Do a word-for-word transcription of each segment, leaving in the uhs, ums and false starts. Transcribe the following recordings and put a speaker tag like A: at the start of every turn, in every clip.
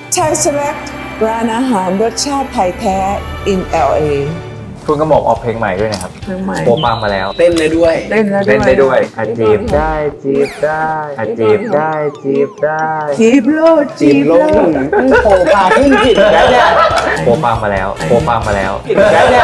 A: Thai Select ร้านอาหารรสชาติไทยแท้ in แอล เอ
B: คุณกระหม่อมออกเพลงใหม่ด้วยนะครับ
A: เพลงใหม่
B: โปรปังมาแล้ว
C: เต้นได้ด้วย
A: เล่นแล้ว
B: เล่นได้ด้วยอาจีบได้จีบได้อาจีบได้จีบได้
A: จีบโลด
C: จีบโลกโผล่พาขึ้นจิตแล้วเนี่ย
B: โปรปังมาแล้วโปรปังมาแล้วแล้วเนี่ย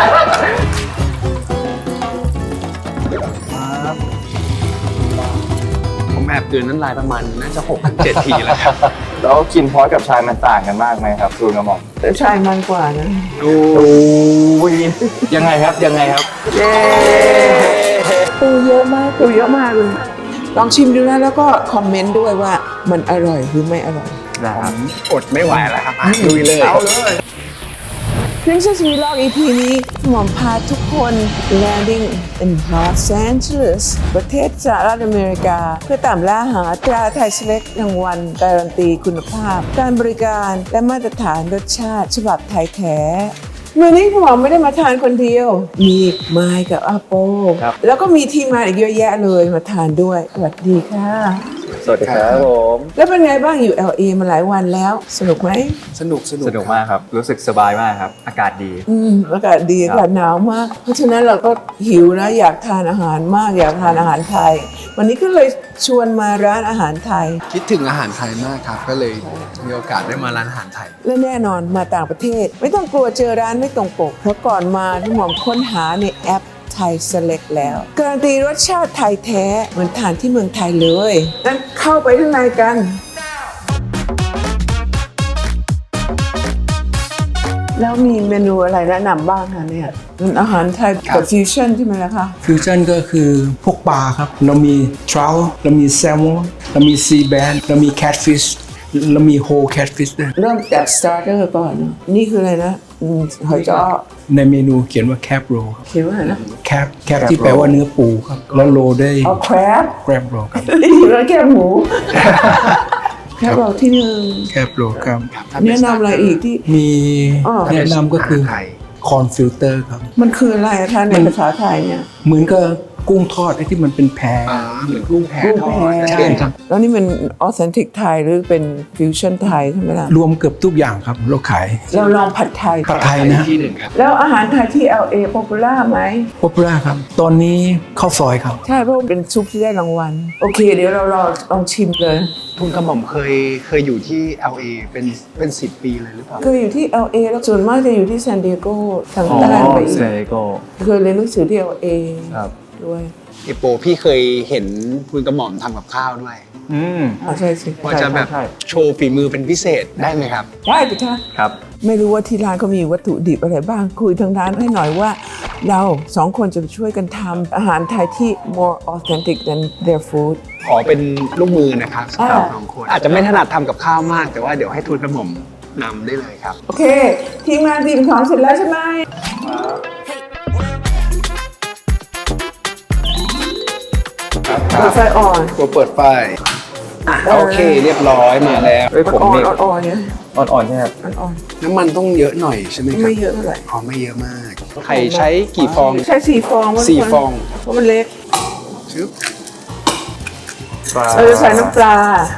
C: ผมแอบกลืนน้ำลายประมาณน่าจะหกถึงเจ็ดทีแล้วครับ
B: แล้วกินพอสกับชายมันต่างกันมากไหมครับคุณกระหม่อม
A: แต่ชายมันกว่านะ
C: ดูยังไงครับยังไงครับ
A: เย้ปูเยอะมากปูเยอะมากเลย ลองชิมดูนะแล้วก็คอมเมนต์ด้วยว่ามันอร่อยหรือไม่อร่อย
B: นะครับ
C: อดไม่ไหวแล้วครับอ่ะลุยเลย
A: เอาเลย Princess Vlog อี พี นี้หมอมพาทุกคน landing in Los Angeles ประเทศสหรัฐอเมริกา เพื่อตามล่าหาตราไทย Select รางวัลการันตีคุณภาพ การบริการและมาตรฐานรสชาติฉบับไทยแท้วันนี้หมอมไม่ได้มาทานคนเดียว มีไมค์กับอาโปแล้วก็มีทีมงานอีกเยอะแยะเลยมาทานด้วยสวัสดีค่ะ
B: สวัสดีครับผม
A: แล้วเป็นไงบ้างอยู่ แอล เอ มาหลายวันแล้วสนุกไหม
C: สนุกสนุก
B: สนุกมากครับรู้สึกสบายมากครับอากาศดี
A: อืมอากาศดีอากาศหนาวมาก เพราะฉะนั้นเราก็หิวนะอยากทานอาหารมากอยากทานอาหารไทย วันนี้ก็เลยชวนมาร้านอาหารไทย
C: คิดถึงอาหารไทยมากครับ ก็เลยมีโอกาสได้มาร้านอาหารไทย
A: และแน่นอนมาต่างประเทศ ไม่ต้องกลัวเจอร้านไม่ตรงปก เพราะก่อนมาที่หมอมค้นหาในแอปไทย Select แล้วการันตีรสชาติไทยแท้เหมือนทานที่เมืองไทยเลยงั้นเข้าไปข้างในกัน แล้วมีเมนูอะไรแนะนำบ้างคะเนี่ยเป็นอาหารไทย
C: ครั
A: กับบ ฟิวชั่นใช่ไหมล่ะคะ
D: ฟิวชั่นก็คือพวกปลาครับ เรามีทรัลเรามีแซลมอนเรามีซีแบนเรามีแคทฟิชเรามีโฮแคทฟิชด้วย
A: เริ่มจากสตาร์เตอร์ก่อนนะนี่คืออะไรนะอืมหอยจ้อ
D: ในเมนูเขียนว่าแคปโรครับ
A: เขียนว่าอะไรนะ
D: แคปแคปที่แปลว่าเนื้อปูครับ แล้วโรได้
A: เอาแครบ
D: แกรบโรครับ
A: แล้วแคบหมูแคบเราที่หนึ่ง
D: แคปโรครับ
A: แนะนำอะไรอีกที่
D: มี
A: อ๋อ
D: แนะนำก็คือ
C: อาหารไทย
D: คอนฟิลเตอร์ครับ
A: มันคืออะไรอะคะในภาษาไทยเนี่ย
D: เหมือนกับกุ้งทอดไอ้ที่มันเป็นแพร
C: อ่าเหมือนกุ้งแผ่ทอด
D: ใช่
C: เช่นครับ
A: แล้วนี่มันออเทนติกไทยหรือเป็นฟิวชั่นไทยใช่ไหมล่ะ
D: รวมเกือบทุกอย่างครับเราขาย
A: เราลองผัดไทย
D: ผัดไทยนะ
C: ที่หนึ่งครับ
A: แล้วอาหารไทยที่ แอล เอ popular ไหม
D: ป๊อปปูล่าครับ ตอนนี้ข้าวซอยครับ
A: ใช่เพราะเป็นซุปที่ได้รางวัล โอเค เดี๋ยวเราลองลองชิมเลย
C: ทุนกระหม่อมเคยเคยอยู่ที่ แอล เอ เป็นเป็นสิบปีเลยหรือเปล่า
A: เคยอยู่ที่ แอล เอ แล้วส่วนมากจะอยู่ที่ซานดิเอโกทางใต้ไปอีก
B: เซโก
A: เคยเรียนหนังสือที่ แอล เอ
B: ครับ
A: ด้วย
C: เอโปพี่เคยเห็นคุณกระหม่อมทำกับข้าวด้วย
B: อืม
A: อ่าใช่สิ
C: ว่าจะแบบ
B: ใช่
C: โชว์ฝีมือเป็นพิเศษได้ไหมครับ
A: ได้สิคะ
B: ครับ
A: ไม่รู้ว่าที่ร้านเขามีวัตถุดิบอะไรบ้าง คุยทางร้านให้หน่อยว่า เราสองคนจะช่วยกันทำอาหารไทยที่ more authentic than their food
C: ขอเป็นลูกมือนะครับสำหรับ
A: อ่า
C: สองคน อาจจะไม่ถนัดทำกับข้าวมาก แต่ว่าเดี๋ยวให้ทูนกระหม่อมนำได้เลยครับ
A: โอเค ทีมงานทีมของเสร็จแล้วใช่ไหม เปิดไฟอ่อน
C: ตัวเปิดไฟอ่ะโอเคเรียบร้อยมาแล้ว
B: เฮ้ยผม
A: อ่อน
B: มี
A: อ่อนๆเนี่ย
B: อ่อนๆใช่ไหมครับ
A: อ่อน
C: น้ำมันต้องเยอะหน่อยใช่ไหม
A: ๆ
C: ครับ
A: ไม่เยอะเท่าไหร่
C: อ๋อไม่เยอะมาก ไข่ใช้กี่ฟอง
A: ใช้สี่ฟองว่า
C: สี่ฟอง
A: เพราะมันเล็ก
C: ชึบ
B: ปลา
A: เราจะใส่น้ำปลา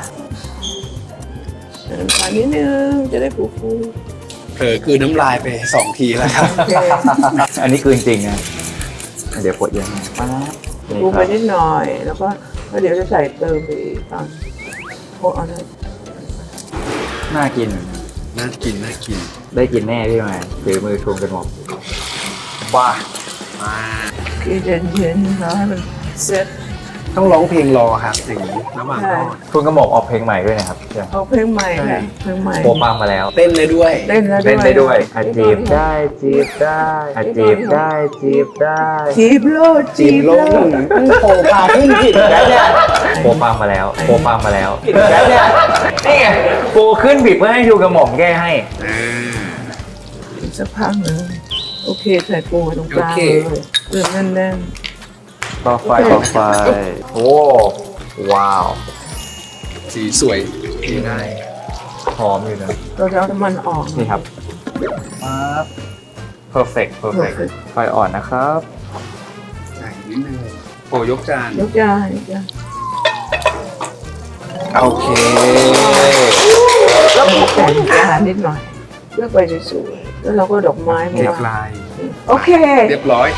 A: ใส่น้ำปลานิดนึงจะได้ฟูฟู
C: เผลอคือน้ำลายไปสองทีแล้วครับ
A: โอเค
B: อันนี้คือจริงๆนะเดี๋ยวปวดเยอะนะ
A: ฟูไปนิดหน่อย แล้วก็แล้วเดี๋ยวจะใส่เติมไปอีกตอนโคเอาเลย
B: น่ากิน
C: น่ากินน่ากิน
B: ได้กินแน่พี่หมายถือมือทวงกันหมดว้า
C: มา
A: โอเคเย็นๆแล้วให้มันเซ็ต
C: ต้องร้องเพลงรอครับอย่างนี้ระหว่างทอด
B: คุณกระหม่อมออกเพลงใหม่ด้วยนะครับ
A: เอาเพลงใหม่ค่ะเพลงใหม่
B: โปรปังมาแล้ว
C: เต้นได้ด้วย
A: เล่นแล้วด้วย
B: เล่นได้ด้วยอาจีบได้จีบได้อาจีบได้จีบได้
A: จีบโลด
C: จีบโลกโผล่พาขึ้นจิตแล้วเนี่ย
B: โปรปังมาแล้วโปรปังมาแล้วแล้วเนี่ยนี่ไงโปรขึ้นบิดเพื่อให้ดูกระหม่อมแก้ให้
A: อีกสักพักหนึงโอเคใส่ปูไว้ตรงกลางเลยเริ่มแน่น
B: ต่อไฟต่อไฟโอ้ว้าว
C: สีสวยดีได้
B: หอมอยู่นะ
A: ๆเราจะเอาน้ำมันออก
B: นี่ครับปั๊บ perfect perfect ไฟอ่อนนะครับ
C: ใส่นิดนึงโอ้ยกจาน
A: ยกยายกยา
C: โอเค
A: แล้วแต่งจานนิดหน่อยเลือกไปสวยๆแล้วเราก็ดอกไม้มา
C: เรียบ
A: วาง
C: ร้อย
A: โอเค
C: เรียบร้อย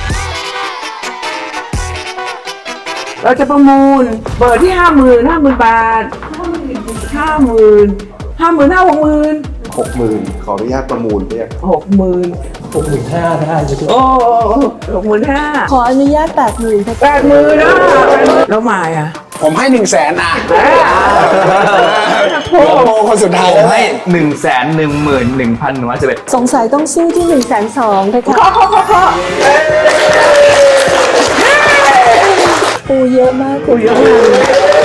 A: เราจะประมูลเปิดที่ห้าหมื่นห้าหมื่นบาทห้าหมื่นห้าหมื่นห้าหกหมื่น
E: หกหมื่นขออนุญาตประมูลเนี่ย
A: หกหมื่น
D: หกหมื่นห้าได้ไหม
A: โอ้หกหมื่นห้า
F: ขออนุญาตแปดหมื่น
A: แปดหมื่นนะแล้วหมายอ่ะ
C: ผมให้หนึ่งแสนอ่ะ
A: โอ้
C: โอ้คนสุดท้าย
B: ผม
C: แล้ว
B: ให้หนึ่งแสนหนึ่งหมื่นหนึ่งพันหนึ่งร้อยสิบเอ็ด
F: สงสัยต้องสู้ที่หนึ่งแสนสองเลยค่ะ
A: ขอขอขอขอ
F: ปูเยอะมาก
A: คุยเยอะมากเลย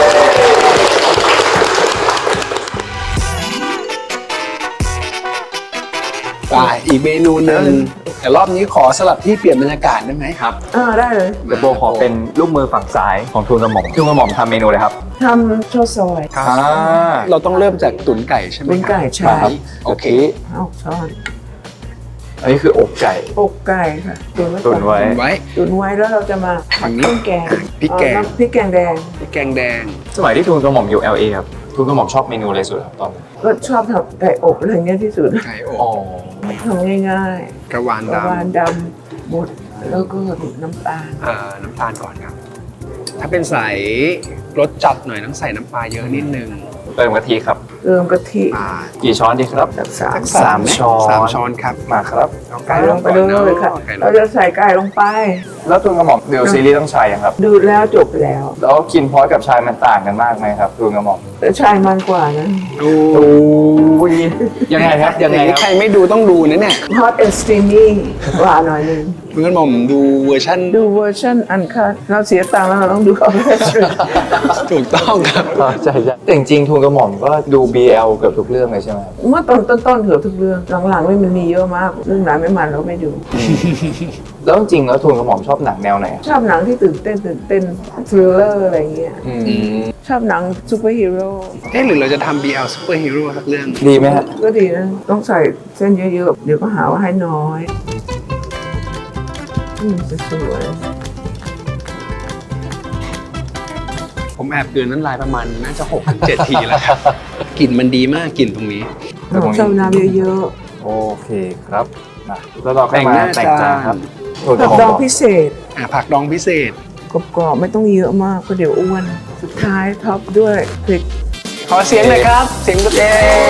C: ไปอีกเมนูหนึ่งแต่รอบนี้ขอสลับที่เปลี่ยนบรรยากาศได้ไหมครับ
A: อ่าได้เลย
B: เดี๋ยวโบขอเป็นลูกมือฝั่งซ้ายของทูนกระหม่อมทูนกระหม่อมทำเมนูเลยครับ
A: ทำข้าวซอย
B: อ่า
C: เราต้องเริ่มจากตุ๋นไก่ใช่ไหม
A: ตุ๋นไก่ใช่
C: ครับโอเค
A: เอาช้อน
B: อันนี้คืออกไก่
A: อกไก่ค่ะตุ๋นไว้ก่
B: ตุ
A: อน
B: นไว้
C: ตุ๋นไว้
A: ตุ๋นไว้แล้วเราจะมา
C: ฝั่งนี้
A: ต้มแกง
C: พริกแกง
A: เอาน้ำพริกแกงแดง
C: พริกแกงแดง
B: สมัยที่ทูนกระหม่อมอยู่ แอล เอ ครับทูนกระหม่อมชอบเมนูอะไรสุดครับตอนนั้น
A: ก็ชอบทำไก่อบอะไรเงี้ยที่สุด
C: ไก่อบ
B: อ๋อ
A: ทำง่าย
C: กระวาน
A: ๆกระวาน
C: ดำ
A: ดำหมดแล้วก็น้ำตาล
C: เอ่อน้ำตาลก่อนครับ ถ้าเป็นใสรสจัดหน่อยต้องใส่น้ำปลาเยอะนิดนึง
B: เติมกะทิครับ
A: เติมกะทิ
C: อ่า
B: กี่ช้อนดีครับ
A: จากสาม
B: สามช้อน
C: สามช้อนครับ
B: มาครับ
C: เอา
A: ไก่
C: ไก่
A: ล
C: ล
A: ง
C: ง
A: ไป
C: ก่อน
A: เลยค่ะ
C: ไก่ล
A: เรา
C: ง
A: จะใส่ไก่ลงไป
B: แล้วทูนกระหม่อมเดี๋ยวซีรีส์ต้องชายยังครับ
A: ดูดแล้วจบแล้ว
B: แล้วกินพร้อมกับชายมันต่างกันมากไหมครับทูนกระหม่อม
A: แต่ชายมันกว่านะ
C: ดู
B: อุ้ยยังไงครับยังไง
C: อย่างนี้
B: ค
C: ใคร
B: รับ
C: ไม่ดูต้องดูนะเนี่ย
A: hot and steamy กว่าหน่อยหนึง
C: เพื่อนผมดูเวอร์ชั่น
A: ดูเวอร์ชันอันคัดเราเสียตังค์แล้วเราต้องดูออเคสตรา
C: ถูกต้องครับ
B: อ๋อใช่ใช่แต่จริงๆทูนกระหม่อมก็ดู บี แอล เกือบทุกเรื่องเลยใช่ไหมครับ
A: เมื่อตอนต้นๆเกือบทุกเรื่องหลังๆไม่มันมีเยอะมากเรื่องไหนไม่มันเราไม่ดู
B: แล้วจริงๆแล้วทูนกระหม่อมชอบหนังแนวไหนอะ
A: ชอบหนังที่ตื่นเต้นตื่นเต้นทริลเลอร์อะไรเงี้ย
B: อืม
A: ชอบหนังซูเปอร์ฮีโร่
C: เอ๊ะหรือเราจะทำ บี แอล Super Hero สักเรื่อง
B: ดีไหมฮะ
A: ก็ดีนะ ต้องใส่เส้นเยอะๆ เดี๋ยวก็หาว่าให้น้อยอืมสวย
C: ผมแอบเกินน้ำลายประมาณน่าจะหกถึงเจ็ดทีแล้วครับ กลิ่นมันดีมากกลิ่นตรงนี้
A: ๆเราชอบน้ำเยอะ
B: โอเคครับมาแล้วเราก็มา
C: แต่
B: แต่
C: ง
B: ง
C: หน้า
B: จานครับทูน
A: ๆ
B: ก
A: ผั
B: ระ
A: ก
B: หม่อม
A: ดอง
B: บอก
A: พิเศษ
C: อ่ะผักดองพิเศษ
A: กรอบๆไม่ต้องเยอะมากเพราะเดี๋ยวอ้วน สุดท้ายท็อปด้วยพริก
C: ขอเสียงเลยครับ เสียงเย้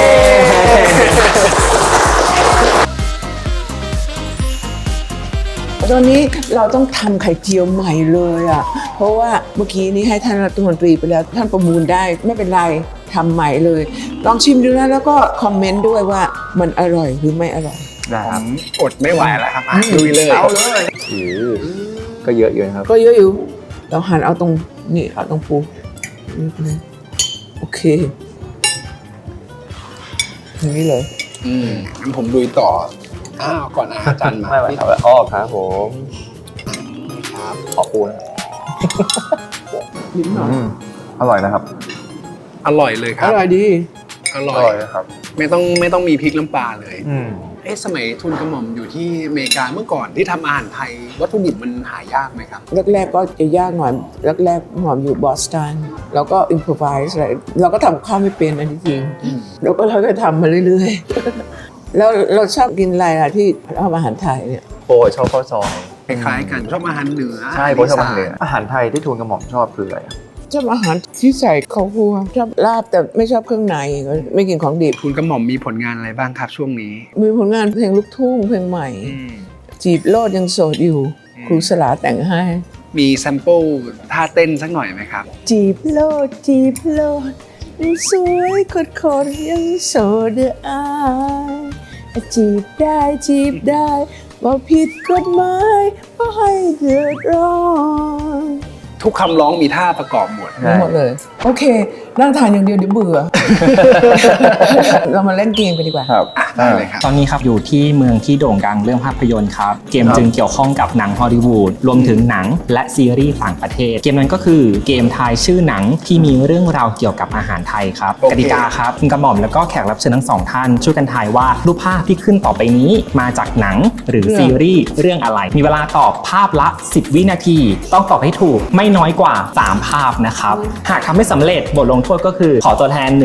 A: ตอนนี้เราต้องทำไข่เจียวใหม่เลยอ่ะ เพราะว่าเมื่อกี้นี้ให้ท่านรัฐมนตรีไปแล้วท่านประมูลได้ไม่เป็นไรทำใหม่เลย ลองชิมดูนะแล้วก็คอมเมนต์ด้วยว่ามันอร่อยหรือไม่อร่อย
B: นะ
C: ผ
B: ครับ
C: มอดไม่ไหวแล้วครับอ่ะลุยเลย
A: เอาเลย
B: โอ้โหก็เยอะอยู่นะครับ
A: ก็เยอะอยู่ เราหั่นเอาตรงนี่เอาตรงปูนี่ไปเลยโอเคอย่างนี้เลย
C: อืมงั้นผมลุยต่อ อ้าว ก่อนอาจารย์มา
B: ไม่ไหวครับอ้อครับผมครับขอปูนะ
A: นิดหน่อย
B: อืมอร่อยนะครับ
C: อร่อยเลยค
A: อ
C: รับ
A: ร่อยดี
C: อร่อย
B: นะครับ
C: ไม่ต้องไม่ต้องมีพริกน้ำปลาเลย
B: อืม
C: เอ๊ะสมัยทุนกระหม่อมอยู่ที่อเมริกาเมื่อก่อนที่ทำอาหารไทย วัตถุดิบมันหายากไหมครับ
A: แรกๆก็จะยากหน่อยแรกๆหอมอยู่บอสตันแล้วก็อินพรไวส์อะไรเราก็ทำข้าวไม่เป็นอันที่จริงแล้วก็เราก็ทำมาเรื่อยๆ แล้วเราชอบกินอะไรล่ะที่ทำอาหารไทยเนี่ย
B: โปชอบข้าวซอย
C: คล้ายๆกันชอบอาหารเหนือ
B: ใช่โปชอบอาหารเหนืออาหารไทยที่ทูนกระหม่อมชอบคืออะไรอะ
A: ชอบอาหารที่ใส่ข้าวคั่วชอบลาบแต่ไม่ชอบเครื่องในไม่กินของดิบ
C: ทุนกระหม่อมมีผลงานอะไรบ้างครับช่วงนี้
A: มีผลงานเพลงลูกทุ่งเพลงใหม่ จีบโลดยังโสดอยู่ ครูสลาแต่งให้
C: มีแซมเปิลท่าเต้นสักหน่อยไหมครับ
A: จีบโลดจีบโลดยังสวยคดคดยังโสดเด้ออายจีบได้จีบได้ว่าผิดกฎหมายว่าให้เดือดร้อน
C: ทุกคำร้องมีท่าประกอบหมด
A: หมดเลย โอเค นั่งทานอย่างเดียวเดี๋ยวเบื่อ เรามาเล่นเกมกันดีกว่า
B: ครับ
C: อ่ะได้เลยครับ
G: ตอนนี้ครับอยู่ที่เมืองที่โด่งดังเรื่องภาพยนตร์ครับ เกมจึงเกี่ยวข้องกับหนังฮอลลีวูดรวมถึงหนังและซีรีส์ต่างประเทศ เกมนั้นก็คือเกมทายชื่อหนังที่มีเรื่องราวเกี่ยวกับอาหารไทยครับ
C: โอเค
G: กติกาครับคุณกระหม่อมแล้วก็แขกรับเชิญทั้งสองท่านช่วยกันทายว่ารูปภาพที่ขึ้นต่อไปนี้มาจากหนังหรือซีรีส์เรื่องอะไร มีเวลาตอบภาพละสิบวินาที ต้องตอบให้ถูกไม่น้อยกว่าสามภาพนะครับหากทำไม่สำเร็จบทลงโทษก็คือขอตัวแทนหนึ่ง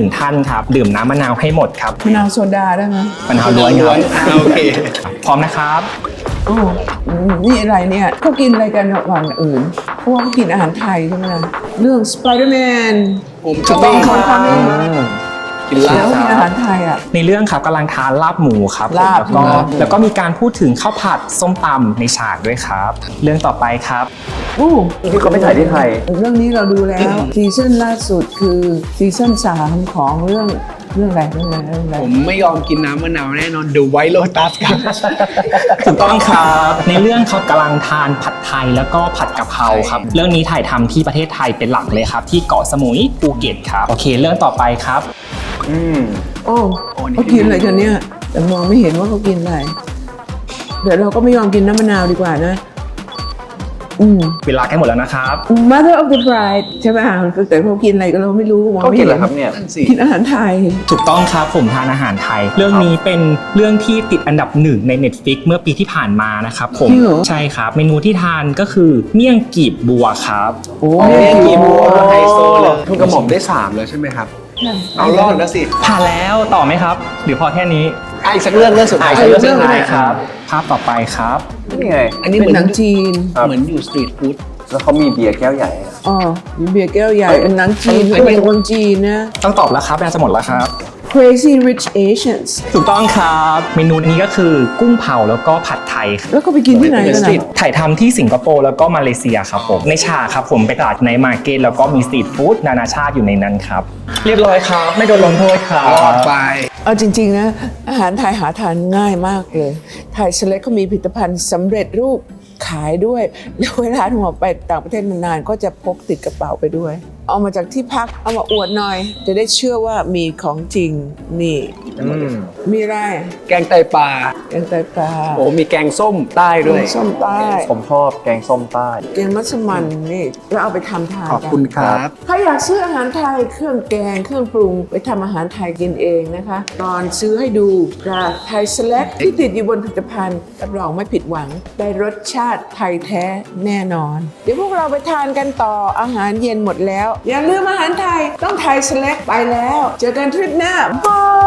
G: ท่านครับดื่มน้ำมะนาวให้หมดครับ
A: มะนาวโซดาได้ไหม
G: มะนาวล้วนครับ
C: อ่าโอเค
G: พร้อมนะครับ
A: โอ้อืมนี่อะไรเนี่ยเขากินอะไรกันระหว่างอื่นเพราะว่าเขากินอาหารไทยใช่ไหมล่ะเรื่องสไปเดอร์แมน
C: ผม
A: ถูกต้องครับ
C: กินลา
A: แล้ว
C: บ
A: กินอาหารไทยอ่ะ
G: ในเรื่องครับกำลังทานลาบหมูครับ
A: ลาบ
G: แล้วก็
A: ลาบหมู
G: แล้วก็มีการพูดถึงข้าวผัดส้มตำในฉากด้วยครับ เรื่องต่อไปครับ
A: โอ้
B: ที่เขาไปถ่ายที่ไทย
A: เรื่องนี้เราดูแล้วซีซั่นล่าสุดคือซีซั่นสามของเรื่องเรื่องอะไรเรื่องอะไรเรื่องอะไร
C: ผมไม่ยอมกินน้ำมะนาวแน่นอน The White Lotus ครับ
G: ถูกต้องครับ ในเรื่องเขากำลังทานผัดไทยแล้วก็ผัดกะเพราครับ เรื่องนี้ถ่ายทำที่ประเทศไทยเป็นหลักเลยครับ ที่เกาะสมุยภูเก็ตครับ โอเค เรื่องต่อไปครับ
B: อืม
A: โอ้เขากินอะไรกันเนี่ยแต่มองไม่เห็นว่าเขากินอะไรเดี๋ยวเราก็ไม่ยอมกินน้ำมะนาวดีกว่านะอืม
G: เวลาใกล้หมดแล้วนะครับ
A: Mother of the Bride ใช่ไหมแต่เขากินอะไรก็เราไม่รู้มอง
B: เขา
A: ไม่
B: กิน
A: เห็
B: เหรอครับเนี่ย
C: นั่นสิ
A: กินอาหารไทย
G: ถูกต้องครับผมทานอาหารไทย เรื่องนี้เป็นเรื่องที่ติดอันดับหนึ่งใน Netflix เมื่อปีที่ผ่านมานะครับผม
A: จริงเหรอ
G: ใช่ครับ เมนูที่ทานก็คือเมี่ยงกีบบัวครับ
A: โอ้
C: เมี่ยงกีบบัวไฮโซเลย
A: ทุ
C: ทุ
A: ก
C: ก
A: ก
C: ก
A: ระ
C: ระ
A: ห
C: ห
A: ม่
C: ม่
A: อ
C: อ
A: ม
C: มได้สามแล้วใช่ไหมครับ เอา
A: เอา
C: รอดแล้วสิ
G: ผ่านแล้วต่อไหมครับ หรือพอแค่นี้
C: อ่ะอีกสักเรื่องเรื่องสุดท้าย
G: ใช่เรื่องสุดท้ายครับ ภาพต่อไปครับ
B: นี่ไง
C: อันนี้
A: เป็
C: เหมื
A: น
C: อน
A: หนังจีน
B: ครับ
C: เหมือนอยู่สตรีทฟู้ด
B: แล้วเขามีเบียร์แก้วใหญ่อะ
A: อ๋อมีเบียร์แก้วใหญ่ เป็นหนังจีน
C: อันนี้
A: เป็นคนจีนนะ
G: ต้องตอบแล้วครับเวลาจะหมดแล้วครับ
A: Crazy Rich Asians
G: ถูกต้องครับ เมนูนี้ก็คือกุ้งเผาแล้วก็ผัดไทยครับ
A: แล้วก็ไปกินที่ไหนกัน
C: เป็นสตรี
A: นะ
C: ท
G: ถ่ายทำที่สิงคโปร์แล้วก็มาเลเซียครับผม ในฉากครับผมไปตลาดในมาร์เก็ตแล้วก็มีสตรีทฟู้ดนานาชาติอยู่ในนั้นครับ เรียบร้อยครับ ไม่โดนลงโทษครับ
C: รอดไป
A: เอาจริง ๆ นะ อาหารไทยหาทานง่ายมากเลย ไทยเซเล็กเขามีผลิตภัณฑ์สำเร็จรูปขายด้วย แล้วเวลาหัวไปต่างประเทศนานๆก็จะพกติดกระเป๋าไปด้วย เอามาจากที่พักเอามาอวดหน่อย จะได้เชื่อว่ามีของจริงนี่
B: อืม
A: มีอะไร
C: แกงไตปลา
A: แกงไตปลา
C: โอ้มีแกงส้มใต้ด้วย
A: ส้มใต้
B: ผมชอบแกงส้มใต้
A: แกงมัสมั่นนี่แล้วเอาไปทำทาน
C: ขอบ
A: กัน
C: คุณครับ
A: ถ้าอยากซื้ออาหารไทยเครื่องแกงเครื่องปรุงไปทำอาหารไทยกินเองนะคะ ตอนซื้อให้ดูกับไทยเซเล็กที่ติดอยู่บนผลิตภัณฑ์รับรองไม่ผิดหวังได้รสชาติไทยแท้แน่นอน เดี๋ยวพวกเราไปทานกันต่ออาหารเย็นหมดแล้ว อย่าลืมอาหารไทยต้องไทยเซเล็กไปแล้ว เจอกันทริปหน้าบาย